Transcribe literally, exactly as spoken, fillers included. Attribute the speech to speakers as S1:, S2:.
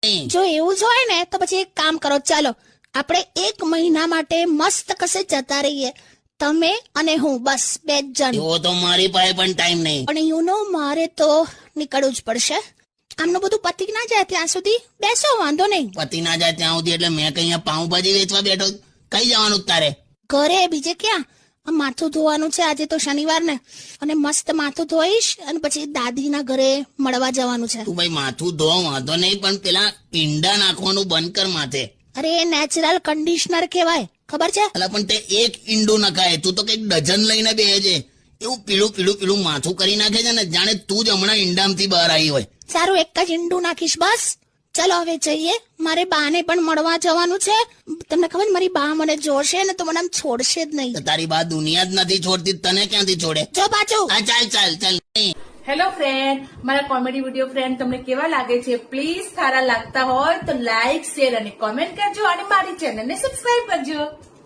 S1: જો એવું જ હોય ને તો પછી એક કામ કરો, ચાલો આપણે એક મહિના માટે મસ્ત કશે જતા રહીએ, તમે અને હું, બસ બે જ જણ.
S2: એવો તો મારી પાસે પણ ટાઈમ નહીં.
S1: પણ યુ નો મારે તો નીકળવું જ પડશે. આમનું બધું પતી ના જાય ત્યાં સુધી બેસો, વાંધો નહીં.
S2: પતિ ના જાય ત્યાં સુધી એટલે મેં કઈ અહીંયા પાઉંભાજી વેચવા બેઠો? કઈ જવાનું તારે?
S1: ઘરે, બીજે ક્યાં? આ માથું ધોવાનું છે, આજે તો શનિવાર ને, અને મસ્ત માથું ધોઈશ અને પછી દાદીના ઘરે મળવા જવાનું છે.
S2: તું ભાઈ માથું ધો વાંધો નહીં, પણ પેલા ઈંડા નાખવાનું બંધ કર માથે.
S1: અરે એ નેચરલ કન્ડિશનર કહેવાય, ખબર છે?
S2: એટલે પણ તે એક ઈંડું નખાય, તું તો કઈક ડઝન લઈને બેહે છે. એવું પીળું પીળું પીળું માથું કરી નાખે છે ને, જાણે તું જ હમણાં ઈંડામાંથી બહાર આવી હોય.
S1: સારું, એક જ ઈંડું નાખીશ બસ. ચલો હવે જઈએ, મારે બાને પણ મળવા જવાનું છે. તમને ખબર, મારી બા મને જોશે ને તો મને આમ છોડશે જ નહીં.
S2: તો તારી બા દુનિયા જ નથી છોડતી, તને ક્યાંથી છોડે?
S1: જો પાછું.
S2: હા ચાલ ચાલ ચાલ.
S3: હેલો ફ્રેન્ડ, મારા કોમેડી વિડીયો ફ્રેન્ડ તમને કેવા લાગે છે? પ્લીઝ સારા લાગતા હોય તો લાઈક, શેર અને કોમેન્ટ કરજો અને મારી ચેનલને સબસ્ક્રાઇબ કરજો.